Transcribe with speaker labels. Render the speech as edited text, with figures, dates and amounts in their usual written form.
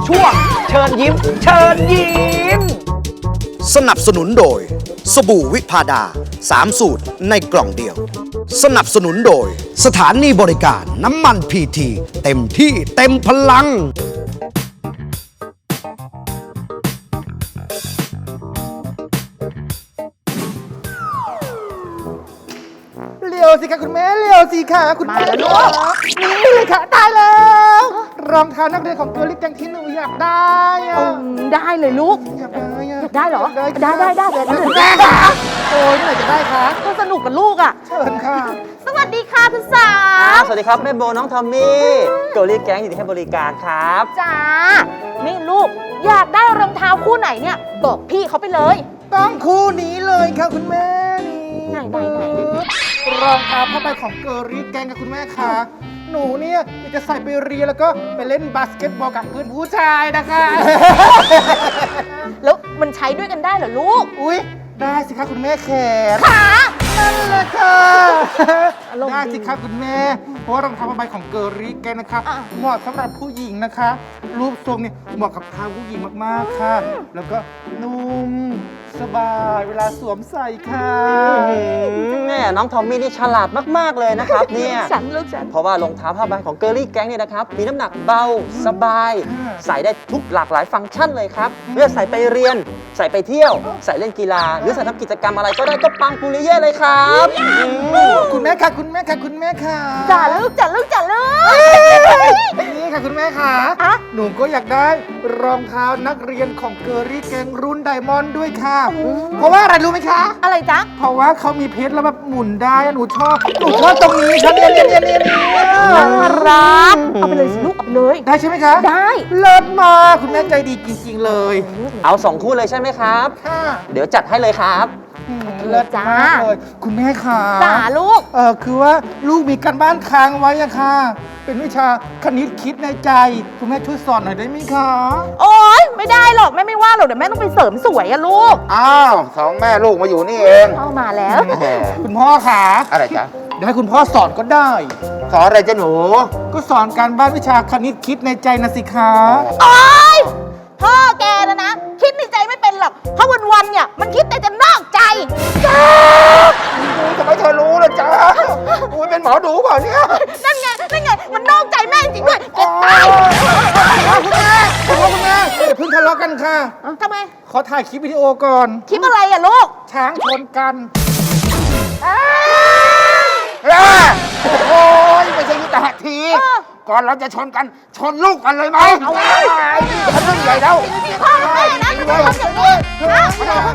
Speaker 1: ช่วงเชิญยิ้มเชิญยิ้ม
Speaker 2: สนับสนุนโดยสบู่วิพาดา3 สูตรในกล่องเดียวสนับสนุนโดยสถานีบริการน้ำมันพีทีเต็มที่เต็มพลัง
Speaker 3: เร็วสิคะคุณแม่เร็วสิค่ะคุณแม่ลูกนี่เลยค่ะตายแล้วรองเท้านักเรียนของเกลลี่แกงที่หนูอยากได้อะ
Speaker 4: ได้เลยลูก
Speaker 3: อยากได้อะ
Speaker 4: ได้เหรอ
Speaker 3: ได้
Speaker 4: ได้เดี๋ยว
Speaker 3: แม่ค่ะโอ้ยเมื่อไหร่จะได้คะ
Speaker 4: ก็สนุกกับลูกอ่ะ
Speaker 3: เชิญค่ะ
Speaker 4: สวัสดีค่ะคุณสา
Speaker 5: สวัสดีครับแม่โบน้องทอมมี่เกลลี่แก๊งอยู่ที่ให้บริการครับ
Speaker 4: จ้านี่ลูกอยากได้รองเท้าคู่ไหนเนี่ยบอกพี่เขาไปเลย
Speaker 3: ต้องคู่นี้เลยค่ะคุณแม่นี่
Speaker 4: ไหน
Speaker 3: รองเท้าผ้าใบของเกลลี่แกงกับคุณแม่ค่ะหนูเนี่ยอยากจะใส่ไปเรียนแล้วก็ไปเล่นบาสเกตบอลกับเพื่อนผู้ชายนะคะ
Speaker 4: แล้วมันใช้ด้วยกันได้เหรอลูก
Speaker 3: อุ้ยได้สิคะคุณแม่แขน
Speaker 4: ขา
Speaker 3: นั่นแหละค่ะ
Speaker 4: อารมณ์ดี
Speaker 3: ได้สิคะคุณแม่ เพราะว่ารองเท้าผ้าใบของเกอริแกนนะคะ
Speaker 4: อ่ะ
Speaker 3: เหมาะสำหรับผู้หญิงนะคะ รูปทรงเนี่ยเหมาะกับเท้าผู้หญิงมากๆค่ะ แล้วก็นุ่มสบายเวลาสวมใส่ค่ะ
Speaker 5: แม่น้องทอมมี่นี่ฉลาดมากๆเลยนะครับเนี่ย
Speaker 4: ฉันลูกฉัน
Speaker 5: เพราะว่ารองเท้าผ้าใบของเกลลี่แก๊งเนี่ยนะครับมีน้ำหนักเบาสบาย ใส่ได้ทุกหลากหลายฟังก์ชันเลยครับเลือกใส่ไปเรียน ใส่ไปเที่ยว ใส่เล่นกีฬา หรือใส่ทำกิจกรรมอะไรก็ได้ก็ปังปุริเย่เลยครับ
Speaker 3: คุณแม่ค่ะคุณแม่ค่ะคุณแม่ค่ะ
Speaker 4: จ้าลูกจ้าลูก
Speaker 3: นี่ค่ะคุณแม่ค่ะ
Speaker 4: อะ
Speaker 3: หนูก็อยากได้รองเท้านักเรียนของเกอริแกงรุ่นไดมอนด์ด้วยค่ะ เพราะว่าอะไรรู้ไหมคะ
Speaker 4: อะไรจ๊ะ
Speaker 3: เพราะว่าเขามีเพชรแล้วแบบหมุนได้อะหนูชอบตรงนี้ครับเนี่ย
Speaker 4: น่ารักเอาไปเลยสิลูกเอาไปเลย
Speaker 3: ได้ใช่ไหมคะ
Speaker 4: ได้
Speaker 3: เลิศมากคุณแม่ใจดีจริงๆเลย
Speaker 5: เอา2 คู่เลยใช่ไหมครับ
Speaker 3: ค่ะ
Speaker 5: เดี๋ยวจัดให้เลยครับ
Speaker 3: เลิศมากเลยคุณแม่ค่ะ
Speaker 4: จ้าลูก
Speaker 3: คือว่าลูกมีการบ้านค้างไว้อะค่ะ เป็นวิชาคณิตคิดในใจ คุณแม่ช่วยสอนหน่อยได้ไหมคะ
Speaker 4: โอ๊ยไม่ได้หรอกแม่ไม่ว่าหรอกเดี๋ยวแม่ต้องไปเสริมสวยอะลูก
Speaker 6: อ้าว2 แม่ลูกมาอยู่นี่เอง
Speaker 4: เข้ามาแล้ว
Speaker 3: คุณพ่อค่ะ
Speaker 6: อะไรจ๊ะ
Speaker 3: เดี๋ยวให้คุณพ่อสอนก็ได้
Speaker 6: สอนอะไรจ๊ะหนู
Speaker 3: ก็สอนการบ้านวิชาคณิตคิดในใจนะสิคะ
Speaker 4: โอ๊ยพ่อแกนะ คิดในใจไม่เป็นหรอก เพราะวันๆเนี่ยมันคิดแต่จะนอกใจ
Speaker 6: ทำไมเธอรู้ล่ะจ๊ะอุ้ยเป็นหมอดูเปล่าเนี่ย
Speaker 4: นั่นไงมันนอกใจแม่จริงๆด้วยแกตาย
Speaker 3: คุณแม่อย่าเพิ่งทะเลาะกันค่ะ
Speaker 4: ทำไม
Speaker 3: ขอถ่ายคลิปวิดีโอก่อน
Speaker 4: คลิปอะไรอะลูก
Speaker 3: ช้างชนกัน
Speaker 6: โอ้ยไม่ใช่ยุทธหัตถี ก่อนเราจะชนกัน ชนลูกกันเลยไหมเอาไว้ฉันเรื่องใหญ่แล้ว
Speaker 4: พ่อแม่นะทำอย่างนี้